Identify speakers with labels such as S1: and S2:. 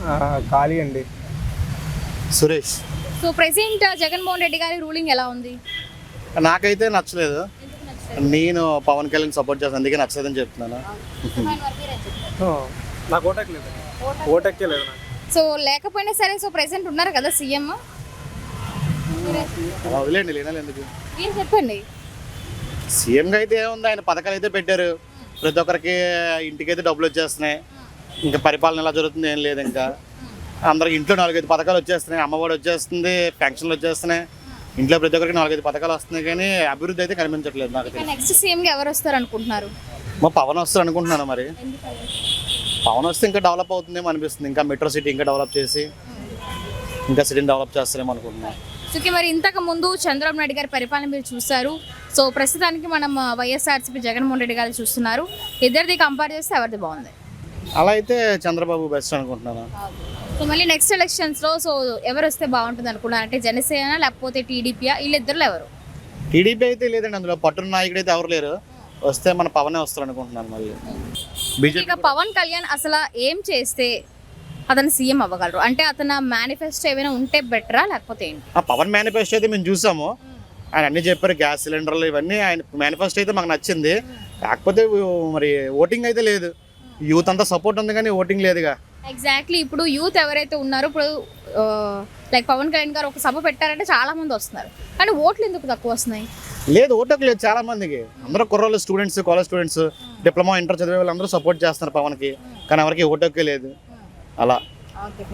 S1: ఖాళీ అండి.
S2: Suresh.
S3: So present Jaganmohan Reddy గారి రూలింగ్ ఎలా ఉంది?
S2: నాకైతే నచ్చలేదు. నేను పవన్ కళ్యాణ్ సపోర్ట్ చేస్తాను, అందుకే నచ్చలేదని చెప్తున్నాను.
S1: నాకు ఓటెక్కలేదు, ఓటెక్కలేదు నాకు.
S3: సో లేకపోయినా సరే, సో ప్రెసెంట్ ఉన్నారు కదా సీఎం,
S2: వదిలేండి, లేనాలి ఎందుకు.
S3: ఏం చెప్పండి.
S2: సీఎంగా అయితే ఏముంది, ఆయన పథకాలు అయితే పెట్టారు, ప్రతి ఒక్కరికి ఇంటికైతే డబ్బులు వచ్చేస్తున్నాయి. ఇంకా పరిపాలన ఎలా జరుగుతుంది ఏం లేదు. ఇంకా అందరికి ఇంట్లో 4-5 పథకాలు వచ్చేస్తున్నాయి. అమ్మఒడి వచ్చేస్తుంది, పెన్షన్లు వచ్చేస్తున్నాయి, ఇంట్లో ప్రతి ఒక్కరికి 4-5 పథకాలు వస్తున్నాయి. కానీ అభివృద్ధి అయితే కనిపించట్లేదు నాకు.
S3: నెక్స్ట్ సీఎంగా ఎవరు వస్తారు అనుకుంటున్నారు?
S2: మా పవన్ వస్తారు అనుకుంటున్నాను. మరి పవన్ వస్తే ఇంకా డెవలప్ అవుతుందేమో అనిపిస్తుంది. ఇంకా మెట్రో సిటీ ఇంకా డెవలప్ చేసి ఇంకా సిటీని డెవలప్ చేస్తారేమో అనుకుంటున్నాను.
S3: ఓకే, మరి ఇంతకు ముందు చంద్రబాబు నాయుడు గారి పరిపాలన మీరు చూస్తారు. సో ప్రస్తుతానికి మనం వైఎస్ఆర్సీపీ జగన్మోహన్ రెడ్డి గారు చూస్తున్నారు. ఇద్దరిది కంపేర్ చేస్తే ఎవరిది బాగుంది?
S2: అలా అయితే చంద్రబాబు బెస్ట్ అనుకుంటున్నాను.
S3: సో మళ్ళీ నెక్స్ట్ ఎలక్షన్స్లో సో ఎవరు వస్తే బాగుంటుంది అనుకున్నారు? అంటే జనసేన లేకపోతే టీడీపీయా? వీళ్ళిద్దరులో ఎవరు?
S2: టీడీపీ అయితే లేదండి, అందులో పట్టున్న నాయకుడు అయితే ఎవరు లేరు. వస్తే మన పవనే వస్తారు అనుకుంటున్నాను. మళ్ళీ బీజేపీ
S3: పవన్ కళ్యాణ్ అసలు ఏం చేస్తే అతను సీఎం అవ్వగలరు? అంటే అతను మేనిఫెస్టో ఏమైనా ఉంటే బెటరా లేకపోతే ఏంటి?
S2: పవన్ మేనిఫెస్టో అయితే మేము చూసాము. ఆయన అన్ని చెప్పారు, గ్యాస్ సిలిండర్లు ఇవన్నీ. ఆయన మేనిఫెస్టో అయితే మాకు నచ్చింది. కాకపోతే మరి ఓటింగ్ అయితే లేదు. యూత్ అంతా సపోర్ట్ ఉంది కానీ ఓటింగ్ లేదుగా.
S3: ఎగ్జాక్ట్లీ. ఇప్పుడు యూత్ ఎవరైతే ఉన్నారో, ఇప్పుడు లైక్ పవన్ కళ్యాణ్ గారు ఒక సభ పెట్టారంటే చాలా మంది వస్తున్నారు, కానీ ఓట్లు ఎందుకు తక్కువ వస్తున్నాయి?
S2: లేదు, ఓటకు లేదు చాలా మందికి. అందరూ కుర్రోళ్ళు, students, college students, diploma, inter చదివే వాళ్ళు అందరూ సపోర్ట్ చేస్తున్నారు పవన్కి. కానీ ఎవరికి ఓటకే లేదు. అలా